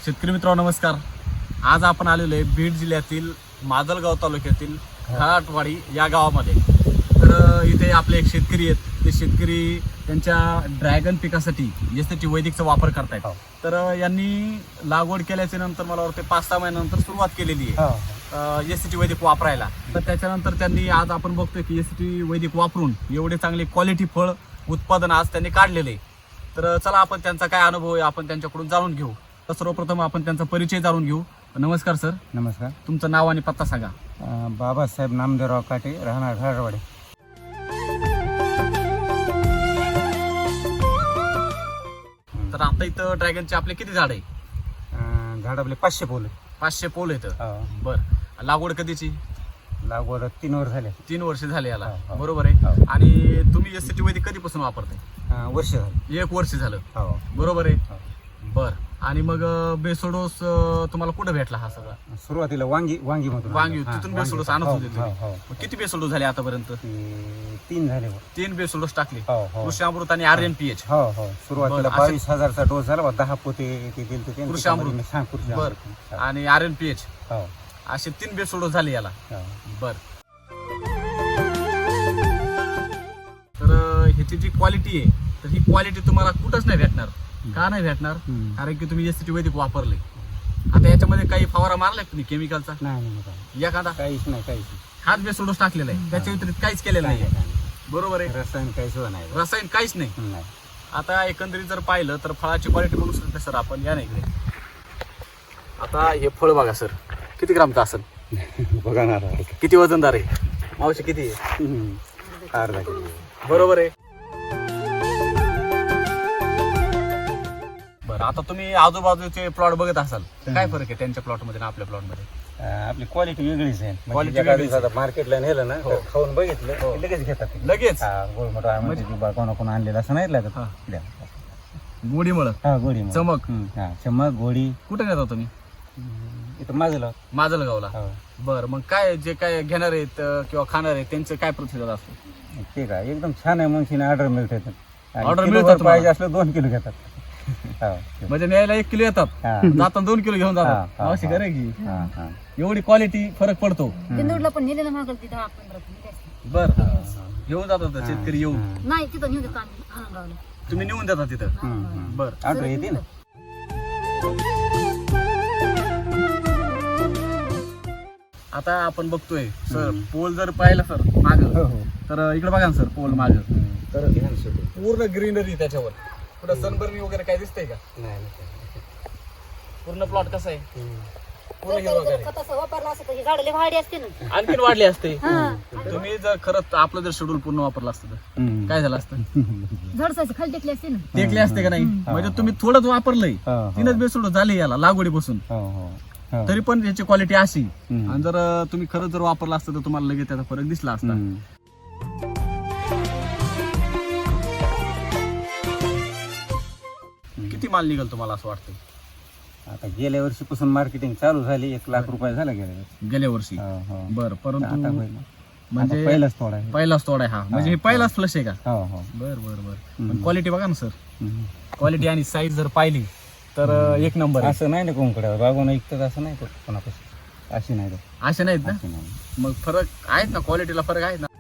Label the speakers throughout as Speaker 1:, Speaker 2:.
Speaker 1: शेतकरी मित्रांनो नमस्कार. आज आपण आलेलो आहे बीड जिल्ह्यातील माजलगाव तालुक्यातील घाटवाडी या गावामध्ये. तर इथे आपले एक शेतकरी आहेत. ते शेतकरी त्यांच्या ड्रॅगन पिकासाठी एसटी वैदिकचा वापर करतायत. तर यांनी लागवड केल्याच्या नंतर मला वाटतं 5-6 महिन्यानंतर सुरुवात केलेली आहे एसटी वैदिक वापरायला. तर त्याच्यानंतर त्यांनी आज आपण बघतोय की एसटी वैदिक वापरून एवढे चांगले क्वालिटी फळ उत्पादन आज त्यांनी काढलेले. तर चला आपण त्यांचा काय अनुभव आहे आपण त्यांच्याकडून जाणून घेऊ. तर सर्वप्रथम आपण त्यांचा परिचय जाणून घेऊ. नमस्कार सर.
Speaker 2: नमस्कार.
Speaker 1: तुमचं नाव आणि पत्ता सांगा.
Speaker 2: बाबासाहेब नामदेवराव काटे, राहणार घाटवाडी.
Speaker 1: तर आता इथं ड्रॅगनचे आपले किती झाड आहे?
Speaker 2: झाड आपले 500 पोल.
Speaker 1: 500 पोल आहेत. बर. लागवड कधीची?
Speaker 2: लागवड 3 वर्ष झाले.
Speaker 1: 3 वर्ष झाले याला.
Speaker 2: हो.
Speaker 1: बरोबर आहे. आणि तुम्ही एसटी वैदिक कधीपासून वापरताय?
Speaker 2: वर्ष झाले.
Speaker 1: 1 वर्ष झालं.
Speaker 2: हो.
Speaker 1: बरोबर आहे. बर. आणि मग बेसोडोस तुम्हाला कुठं भेटला हा सगळा?
Speaker 2: सुरुवातीला वांगी मधून
Speaker 1: वांगी तिथून बेसोडोस आणत होते तुम्ही.
Speaker 2: हो.
Speaker 1: मग किती बेसोडोस झाले आतापर्यंत?
Speaker 2: 3 झाले.
Speaker 1: 3 बेसोडोस टाकले.
Speaker 2: हो.
Speaker 1: कृषी अमृत आणि RNPH.
Speaker 2: हो. सुरुवातीला
Speaker 1: बरं,
Speaker 2: 22,000चा डोस झाला. 10 पोते ते दिले ते
Speaker 1: कृषी अमृत. बर. आणि RNPH
Speaker 2: हो.
Speaker 1: असे 3 बेसोडोस झाले याला. बर. तर ह्याची जी क्वालिटी आहे तर ही क्वालिटी तुम्हाला कुठंच नाही भेटणार. का नाही भेटणार? कारण की तुम्ही एसटी वैदिक वापरले. आता याच्यामध्ये काही फवारा मारलाय तुम्ही केमिकलचा?
Speaker 2: नाही.
Speaker 1: एखादा?
Speaker 2: काहीच नाही.
Speaker 1: हात बेसोडोस टाकलेला आहे. त्याच्या व्यतिरिक्त काहीच केलेलं नाही. बरोबर आहे.
Speaker 2: रसायन काही सुद्धा नाही.
Speaker 1: रसायन काहीच नाही. आता एकंदरीत जर पाहिलं तर फळाची क्वालिटी बघू शकतो सर आपण. या नाही इकडे. आता हे फळ बघा सर, किती ग्रामचं असेल
Speaker 2: बघा ना.
Speaker 1: किती वजनदार आहे? मावशी किती आहे?
Speaker 2: अर्धा किलो.
Speaker 1: बरोबर आहे. बरं. आता तुम्ही आजूबाजूचे प्लॉट बघत असाल तर काय फरक आहे त्यांच्या प्लॉट मध्ये आणि आपल्या प्लॉट मध्ये?
Speaker 2: आपली क्वालिटी वेगळीच आहे.
Speaker 1: Quality वेगळीच आहे.
Speaker 2: मार्केटला नेलं ना
Speaker 1: हो.
Speaker 2: तर खाऊन बघितलं की लगेच घेतात ते.
Speaker 1: लगेच
Speaker 2: गोळमट कोण आणलेलं असं नाही लागत.
Speaker 1: गोडीमुळं
Speaker 2: गोडी
Speaker 1: चमक.
Speaker 2: चमक गोडी.
Speaker 1: कुठे नेता तुम्ही?
Speaker 2: इथं माझं
Speaker 1: माजलगावला. बरं. मग काय जे काय घेणार आहेत किंवा खाणार आहेत त्यांचं काय प्रतिसाद असतो?
Speaker 2: ते काय एकदम छान आहे. मग ऑर्डर मिळते.
Speaker 1: Order मिळतात
Speaker 2: पाहिजे असलं 2 किलो घेतात.
Speaker 1: म्हणजे न्यायला 1 किलो येतात, जाताना 2 किलो घेऊन जातात. अशी करे की एवढी क्वालिटी फरक पडतो.
Speaker 3: बिंदूरला पण नेलेलं मागल तिथं 15
Speaker 1: बर. घेऊन जातात शेतकरी येऊन?
Speaker 3: नाही तिथं नेऊ देतो आम्ही हाणगावला.
Speaker 1: तुम्ही नेऊन देता तिथं? बर.
Speaker 2: ऑर्डर येते ना.
Speaker 1: आता आपण बघतोय सर पोल जर पाहिला सर माग तर इकडे बघा ना सर पोल माग तर पूर्ण ग्रीनरी त्याच्यावर. पुढे सनबर्नी वगैरे काय दिसतंय का? पूर्ण प्लॉट कसा आहे? पूर्ण हिरवागार आहे.
Speaker 3: तसं वापरलं असतं तर ही झाडं लय वाढली असते ना.
Speaker 1: आणखीन वाढले असते. तुम्ही जर खरंच आपलं जर शेड्यूल पूर्ण वापरलं असतं तर काय झालं असतं?
Speaker 3: झाडसाची खाली टेकली असते ना.
Speaker 1: टेकले असते का नाही? म्हणजे तुम्ही थोडंच वापरलंय. 3च बेसोड झाले याला लागवडीपासून. तरी पण याची क्वालिटी अशी. आणि जर तुम्ही खरंच जर वापरला असतं तर तुम्हाला लगेच त्याचा फरक दिसला असता. किती माल निघाल तुम्हाला असं वाटतं?
Speaker 2: आता गेल्या वर्षीपासून मार्केटिंग चालू झाली. 1 लाख रुपये झाला
Speaker 1: गेल्या वर्षी. बरं. परंतु म्हणजे
Speaker 2: पहिलाच थोडा
Speaker 1: पहिलाच तोडा आहे हा. म्हणजे हे पहिलाच फ्लश आहे का?
Speaker 2: आहे.
Speaker 1: बर. क्वालिटी बघा ना सर. क्वालिटी आणि साईज जर पाहिली तर 1 नंबर आहे.
Speaker 2: असं नाही ना कोणकडे बागून ऐकतात असं नाही तर कोणापासून अशी नाही.
Speaker 1: असे नाहीत ना? मग फरक आहेत ना, क्वालिटीला फरक आहे ना.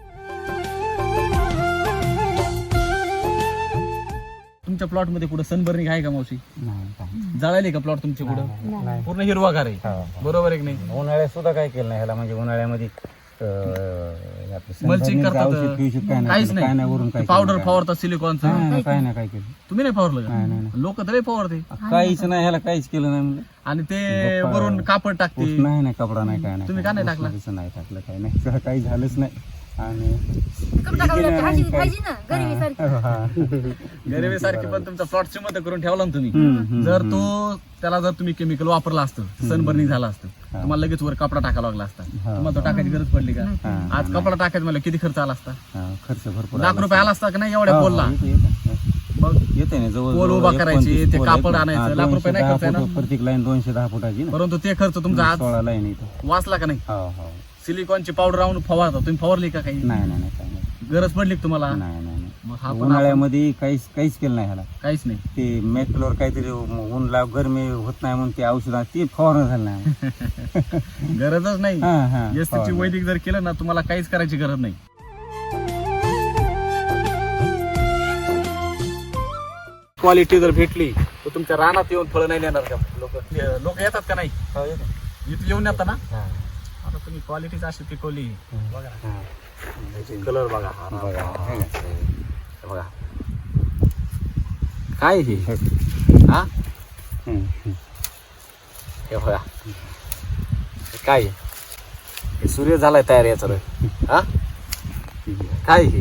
Speaker 1: तुमच्या प्लॉट मध्ये कुठं सनबर्निंग आहे का मावशी? जळाली का प्लॉट तुमच्या कुठं? पूर्ण हिरवागार आहे. बरोबर आहे की नाही?
Speaker 2: उन्हाळ्यात सुद्धा काय केलं नाही ह्याला. म्हणजे उन्हाळ्यामध्ये
Speaker 1: मल्चिंग करतात काहीच नाही. पावडर फवारतात सिलिकॉनचं.
Speaker 2: काय नाही काय केलं.
Speaker 1: तुम्ही नाही फवारलं का? लोक तर फवारते.
Speaker 2: काहीच नाही ह्याला काहीच केलं नाही म्हणजे.
Speaker 1: आणि ते वरून कापड टाकते.
Speaker 2: नाही कपडा नाही काय नाही.
Speaker 1: तुम्ही का नाही टाकला?
Speaker 2: नाही टाकलं काय नाही. काही झालंच नाही. आणि
Speaker 1: गरिबी सारखी पण तुमचा प्लॉट श्रीमंत करून ठेवला ना तुम्ही. जर त्याला जर तुम्ही केमिकल वापरला असतं सनबर्निंग झाला असतं तुम्हाला लगेच वर कपडा टाकावा लागला असता. तुम्हाला तो टाकायची गरज पडली का? आज कपडा टाकायचा मला किती खर्च आला असता?
Speaker 2: खर्च भरपूर.
Speaker 1: लाख रुपये आला असता का नाही एवढ्या पोलला? मग
Speaker 2: येते ना जवळ
Speaker 1: पोल उभा करायचे, ते कापड आणायचं, लाख रुपये नाही खर्च आहे ना?
Speaker 2: प्रत्येक लाईन 210 फुटाची.
Speaker 1: परंतु ते खर्च तुमचा आज
Speaker 2: 16 लाईन इथं
Speaker 1: वाचला का नाही? सिलिकॉनची पावडर आणून फवारता तुम्ही, फवारली का काही?
Speaker 2: नाही
Speaker 1: गरज पडली का तुम्हाला?
Speaker 2: नाही
Speaker 1: मग हा पण
Speaker 2: उन्हाळ्यामध्ये काहीच केलं नाही ह्याला.
Speaker 1: काहीच नाही.
Speaker 2: ते मेटलवर काहीतरी ऊन लाव गरमी होत नाही म्हणून ते औषध ते फवारणं झालं नाही.
Speaker 1: गरजच नाही.
Speaker 2: हा, हा,
Speaker 1: SC ची
Speaker 2: फवारणं.
Speaker 1: वैदिक जर केलं ना तुम्हाला काहीच करायची गरज नाही. क्वालिटी जर भेटली तर तुमच्या रानात येऊन फळं नाही देणार का लोक येतात का नाही?
Speaker 2: हो, येतं.
Speaker 1: इथे येऊन येतात ना.
Speaker 2: हा.
Speaker 1: आता तुम्ही क्वालिटीच अशी पिकवली. बघा
Speaker 2: हा.
Speaker 1: कलर बघा.
Speaker 2: बघा, हे ना.
Speaker 1: हे बघा काय हे हा हे बघा हे काय आहे? हे सूर्य झालाय तयार याचा रे. हा काय हे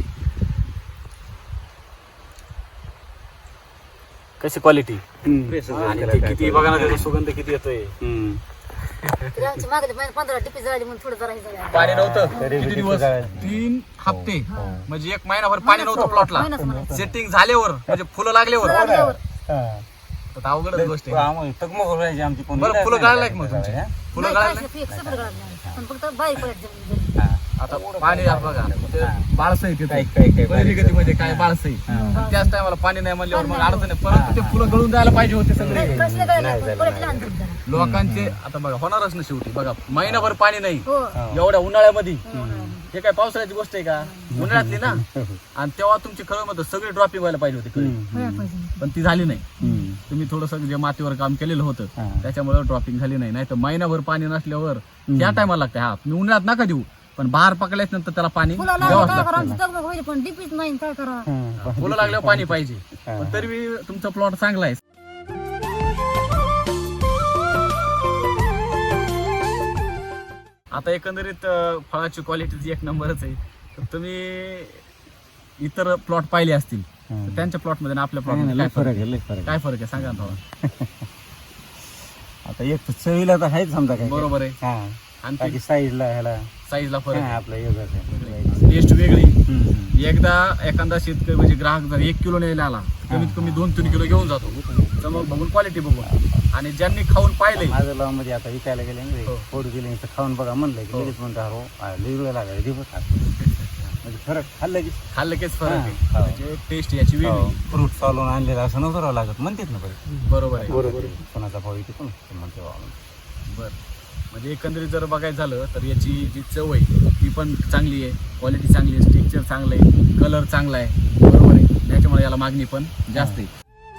Speaker 1: कशी क्वालिटी आणि ते किती बघा ना त्याचा सुगंध किती येतोय.
Speaker 3: तरी आमची मागले 15 टिपी जळाली म्हणून थोडं जरा हे झालं.
Speaker 1: पाणी नव्हतं
Speaker 2: तरी
Speaker 1: किती
Speaker 2: किती
Speaker 1: दिवस?
Speaker 2: जळालं?
Speaker 1: 3 हप्ते म्हणजे 1 महिनाभर पाणी नव्हतं प्लॉटला.
Speaker 3: महिनाच म्हणायचं.
Speaker 1: सेटिंग झाल्यावर म्हणजे फुलं लागल्यावर
Speaker 3: लागल्यावर.
Speaker 1: तर अवघडच गोष्ट आहे.
Speaker 2: आम्हाला तगमग राहायची आमची कोण
Speaker 1: बरं फुलं गाळलाय का मग तुमची? फुलं
Speaker 3: नाही,
Speaker 1: गाळले
Speaker 3: काहीच नाही, सगळं गळालं नाही. पण फक्त बारीक पडत जमीन.
Speaker 1: आता पाणी आहे बघा ते बाळसई
Speaker 2: काय- काय-
Speaker 1: पहिली गती म्हणजे काय बाळसई त्याच टायमाला पाणी नाही म्हणल्यावर मग अडचण आहे. परत ते फुलं गळून जायला पाहिजे होते सगळे
Speaker 3: नाही, कसलं गळालं नाही, पण परत लहान झालं जरा.
Speaker 1: लोकांचे. आता बघा होणारच ना शेवटी. बघा महिनाभर पाणी नाही
Speaker 3: हो.
Speaker 1: एवढ्या उन्हाळ्यामध्ये. हे काय पावसाळ्याची गोष्ट आहे का? उन्हाळ्यातली ना. आणि तेव्हा तुमची खरं मध्ये सगळी ड्रॉपिंग व्हायला पाहिजे होती कळी.
Speaker 3: व्हायला पाहिजे.
Speaker 1: पण ती झाली नाही. तुम्ही थोडस जे मातीवर काम केलेलं होतं
Speaker 2: हा.
Speaker 1: त्याच्यामुळे ड्रॉपिंग झाली नाही. नाही तर महिनाभर पाणी नसल्यावर त्या टायमाला लागतं. हा तुम्ही उन्हाळ्यात नका देऊ पण बाहेर पकडल्याच्या नंतर त्याला पाणी
Speaker 3: फुलं
Speaker 1: द्यावंच
Speaker 3: लागलं काय करा,
Speaker 1: लागतं.
Speaker 3: आमची दगदग व्हायची, पण डीपीच नाही, काय करा.
Speaker 1: फुलं लागल्यावर पाणी पाहिजे. पण तरी बी तुमचा प्लॉट चांगला आहे. आता एकंदरीत फळाची क्वालिटी एक नंबरच आहे. तर तुम्ही इतर प्लॉट पाहिले असतील तर त्यांच्या प्लॉट मध्ये आणि आपल्या प्लॉट मध्ये काय फरक आहे?
Speaker 2: लय फरक आहे.
Speaker 1: काय फरक आहे सांगा ना थोडा.
Speaker 2: आता एक तर चवीला तर आहेच समजा काय.
Speaker 1: बरोबर आहे.
Speaker 2: हा.
Speaker 1: आणि
Speaker 2: बाकी साईजला ह्याला
Speaker 1: साईजला फरक
Speaker 2: हा,
Speaker 1: आहे.
Speaker 2: आपलं योगाच आहे.
Speaker 1: टेस्ट वेगळी. एकदा एखादा शेतकरी म्हणजे ग्राहक जर 1 किलो न्यायला आला कमीत कमी 2-3 किलो घेऊन जातो. चमक बघून क्वालिटी बघून. आणि ज्यांनी खाऊन पाहिले
Speaker 2: माझं लाव मध्ये आता विकायला गेले ना
Speaker 1: हो.
Speaker 2: फोड गेले तर खाऊन बघा म्हणलं की
Speaker 1: हो.
Speaker 2: लगेच म्हणतो हो लई वेळ लागायला दिवस म्हणजे फरक खाल्लं की
Speaker 1: खाल्लं केच फरक आहे.
Speaker 2: हा.
Speaker 1: म्हणजे टेस्ट याची वेगळी.
Speaker 2: फ्रूट चालून आणलेलं असं नव्हतं राहावं लागत म्हणतात ना बरं.
Speaker 1: बरोबर आहे.
Speaker 2: कोणाचा भाव येते कोण म्हणते बाबा.
Speaker 1: बर म्हणजे एकंदरीत जर बघायचं झालं तर याची जी चव आहे ती पण चांगली आहे. क्वालिटी चांगली आहे. स्ट्रक्चर चांगलं आहे. कलर चांगला आहे. बरोबर आहे. त्याच्यामुळे याला मागणी पण जास्त आहे.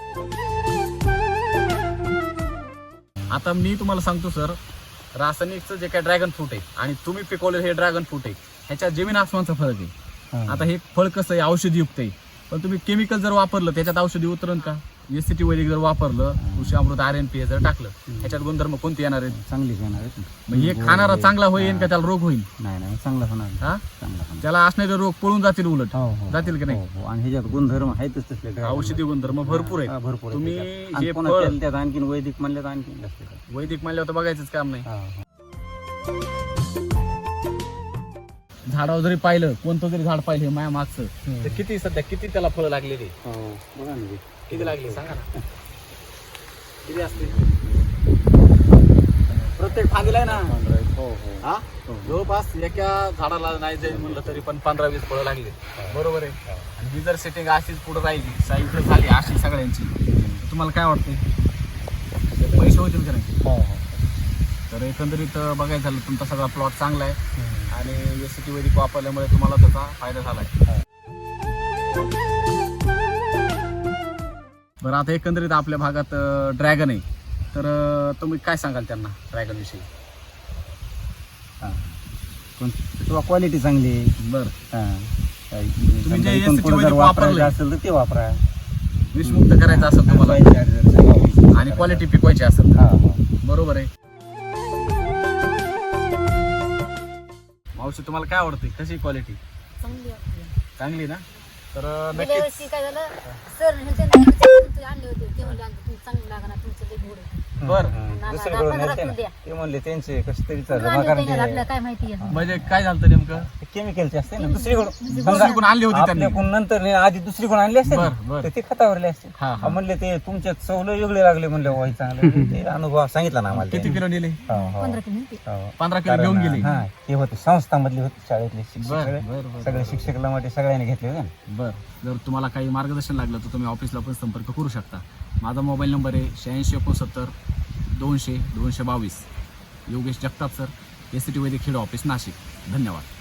Speaker 1: आता मी तुम्हाला सांगतो सर रासायनिकचं जे काय ड्रॅगन फ्रूट आहे आणि तुम्ही पिकवलेलं हे ड्रॅगन फ्रूट आहे ह्याच्यात जमीन आसमानचा फरक आहे.
Speaker 2: हा.
Speaker 1: आता हे फळ कसं आहे औषधीयुक्त आहे. पण तुम्ही केमिकल जर वापरलं त्याच्यात औषधी उतरण का? SCT वैदिक जर वापरलं कृषी अमृत RNP जर टाकलं ह्याच्यात गुणधर्म कोणते येणार आहेत?
Speaker 2: चांगलीच येणार आहेत ना.
Speaker 1: मग हे खाणारा चांगला होईल का त्याला रोग होईल?
Speaker 2: नाही नाही चांगला होणार
Speaker 1: हा
Speaker 2: चांगला होणार.
Speaker 1: त्याला असणारे रोग पळून जातील उलट.
Speaker 2: हो, हो,
Speaker 1: जातील की नाही?
Speaker 2: हो, हो. आणि ह्याच्यात गुणधर्म आहेतच तसले dragon.
Speaker 1: औषधी गुणधर्म भरपूर
Speaker 2: हा,
Speaker 1: आहेत.
Speaker 2: भरपूर आहेत
Speaker 1: तुम्ही
Speaker 2: त्याच्यात. आणि
Speaker 1: हे
Speaker 2: पुन्हा
Speaker 1: फळ
Speaker 2: त्यात आणखीन वैदिक म्हणले तर आणखीन जास्त आहे.
Speaker 1: वैदिक म्हणल्यावर तर बघायचंच काम नाही.
Speaker 2: हा, हा.
Speaker 1: झाडावर जरी पाहिलं कोणतं जरी झाड पाहिलं हे माया मागचं तर किती सध्या किती त्याला फळं लागलेली
Speaker 2: हो, बघा ना ते.
Speaker 1: किती लागली सांगा ना. किती असते प्रत्येक फांदीला आहे ना.
Speaker 2: हो, हो.
Speaker 1: हा जवळपास एका झाडाला नाही जाईल म्हणलं तरी पण 15-20 फळं लागली. बरोबर आहे. आणि ही जर सेटिंग अशीच पुढे राहिली साईज जर झाली अशी सगळ्यांची तर तुम्हाला काय वाटतंय पैसे होतील का नाही?
Speaker 2: हो, हो.
Speaker 1: तर एकंदरीत बघायचं झालं तुमचा सगळा प्लॉट चांगला आहे आणि SCT वैदिक वापरल्यामुळे तुम्हाला त्याचा फायदा झाला आहे. बरं आता एकंदरीत आपल्या भागात ड्रॅगन आहे तर तुम्ही काय सांगाल त्यांना ड्रॅगन विषयी?
Speaker 2: हा. पण किंवा क्वालिटी चांगली आहे.
Speaker 1: बरं
Speaker 2: हा. काही
Speaker 1: तुम्ही जे
Speaker 2: इथून
Speaker 1: SCT
Speaker 2: पुढं जर
Speaker 1: वैदिक
Speaker 2: वापरायचं
Speaker 1: वापरलंय
Speaker 2: असेल तर ते वापरा.
Speaker 1: विषमुक्त करायचं असेल तुम्हाला आणि क्वालिटी पिकवायची असेल
Speaker 2: हा, हा.
Speaker 1: बरोबर आहे. मावशी तुम्हाला काय आवडते कशी क्वालिटी?
Speaker 3: चांगली वाटते.
Speaker 1: चांगली ना. तर
Speaker 3: गेल्या
Speaker 1: नक्कीच
Speaker 3: वर्षी काय झालं सर आणले होते ते म्हणले आणले चांगलं लागणार तुमचं ते गोड
Speaker 1: बर
Speaker 2: दुसरीकडून
Speaker 3: 15
Speaker 2: नेलते
Speaker 3: किलो
Speaker 2: ना.
Speaker 3: द्या.
Speaker 2: ते म्हणले त्यांचे कसे तरी
Speaker 3: कुठून आणले होते याला? आपल्याला काय माहिती आहे
Speaker 1: म्हणजे काय झालं नेमकं
Speaker 2: केमिकलचे असते ना दुसरीकडून
Speaker 1: दुसरीकडून आणली होती त्यांनी
Speaker 2: आपल्याकडून नंतर नाही, आधी दुसरीकडून आणली असते ना,
Speaker 1: बर बर
Speaker 2: तर ते खतावरले असते
Speaker 1: हा हा
Speaker 2: म्हणले ते तुमच्या चवलं वेगळे लागले म्हणले वाई चांगले ते अनुभव सांगितला ना आम्हाला
Speaker 1: किती किलो नेले
Speaker 2: हो, हो.
Speaker 3: 15 किलो नेते.
Speaker 2: हो.
Speaker 1: 15 किलो घेऊन गेले
Speaker 2: हा ते होते संस्थामधले होते शाळेतले शिक्षक
Speaker 1: बर
Speaker 2: सगळे.
Speaker 1: बर बर
Speaker 2: सगळे शिक्षकाला मध्ये सगळ्यांनी घेतले होते ना.
Speaker 1: बर जर तुम्हाला काही मार्गदर्शन लागलं तर तुम्ही ऑफिसला पण संपर्क करू शकता. माझा मोबाईल नंबर आहे 8669 200 222. योगेश जगताप सर, एसीटी वैद्यकीय खेड ऑफिस नाशिक. धन्यवाद.